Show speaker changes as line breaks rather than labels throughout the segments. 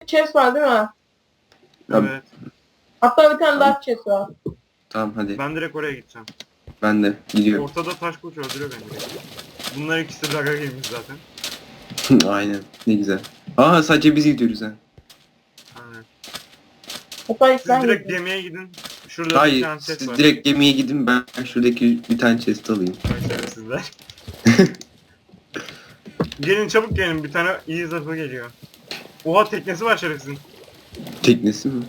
chest var değil mi?
Tabii.
Evet.
Hatta bir tane daha chest var.
Tamam hadi.
Ben direkt oraya gideceğim.
Ben de gidiyorum.
Ortada taş kılıç öldürüyor beni direkt. Bunlar ikisi de Daga Game'imiz zaten.
Aynen. Ne güzel. Aa sadece biz gidiyoruz ha.
Aynen.
Hatta ilk
Siz
sen
direkt
gittin.
gemiye gidin. Şurada bir
Hayır
tane chest
siz
var.
direkt gemiye gidin ben şuradaki bir tane chest alayım.
Sizler. Gelin çabuk gelin, bir tane iyi zırhlı geliyor. Oha, teknesi var şerefsizin.
Teknesi mi?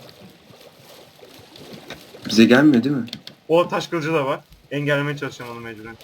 Bize gelmiyor değil mi?
O taş kılıcı da var. Engellemeye çalışacağım onu mecburen.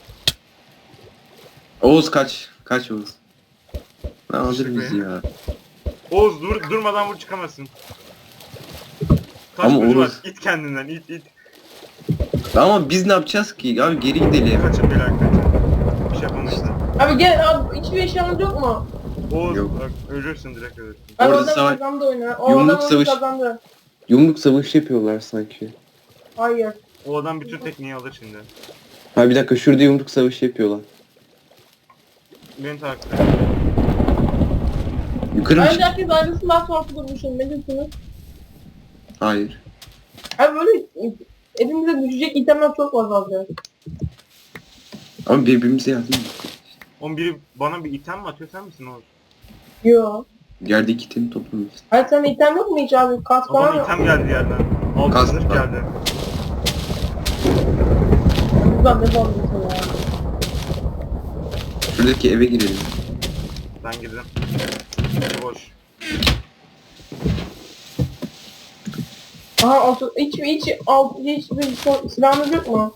Oğuz kaç. Kaç Oğuz. Ne alır
Teşekkür
bizi ya.
Oğuz durmadan vur, çıkamazsın. Taş
Ama
kılıcı var.
Oğuz-
İt kendinden, it.
Ama biz ne yapacağız ki? Abi geri gidelim.
Kaçın beyler, kaçın. Bir şey yapamayız.
Abi gel abi, hiçbir eşyamız yok mu?
Oğuz
Yok.
bak, ölürsün, direkt ölürsün.
Abi
Orada
adam
savaş-
kazandı oyunu. O
Yumruk
adam oyunu
savaş-
kazandı.
Yumruk savaşı yapıyorlar sanki.
Hayır.
O adam bütün tekniği alır şimdi.
Ha bir dakika şurada yumruk savaşı yapıyorlar.
Beni takip et.
Yukarı mı
Bence
çık?
herkes ayrısından sonra durmuşum. Ne diyorsunuz?
Hayır.
Abi böyle elimize düşecek itemler çok fazla.
Ama birbirimize yardım ediyoruz.
Oğlum biri bana bir item mi atıyor, sen misin Oğuz?
Yo.
Yerdeki itemi toplamışsın.
Hayır senin item yok mu hiç abi? Kas falan
Adam
yok.
item geldi yerden. Altın
Kas
zırh
var.
geldi.
Buradan ne bağlıyorsun ya?
Şuradaki eve girelim.
Ben girdim. Boş.
Aha hiç bir silahımız yok mu?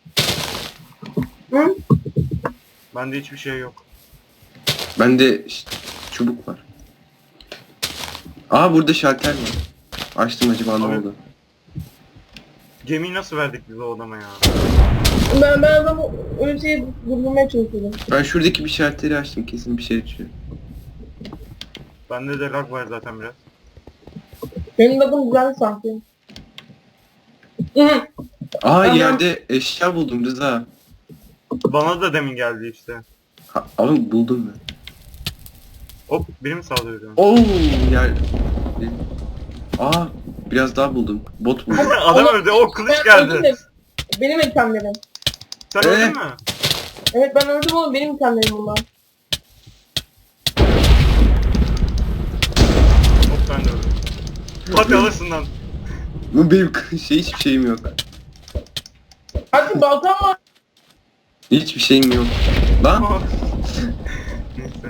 Hı?
Bende hiçbir şey yok.
Bende çubuk var. Aa burada şalter var. Açtım acaba ne
Abi.
oldu?
Gemiyi nasıl verdik biz o adama ya?
Ben adamı öyle şeyi durdurmaya çalışıyorum.
Ben şuradaki bir şalteri açtım kesin bir şey açıyor.
Bende de lag var zaten biraz.
Benim adım güzel sanki. Hı.
Aa
Aha.
yerde eşya buldum Rıza.
Bana da demin geldi işte.
Abi buldum ben.
Hop, biri mi saldırıyor?
Oo yer. Aa biraz daha buldum. Bot buldum.
Adam öldü, o kılıç
Ben öldüm
geldi.
de, benim itemlerim.
Sen öldün mü?
Evet ben öldüm oğlum benim itemlerim bunlar.
Hop, ben de öldüm. Hadi alırsın lan.
Bu benim hiçbir şeyim yok.
Hadi baltam var.
Hiçbir şeyim yok. Lan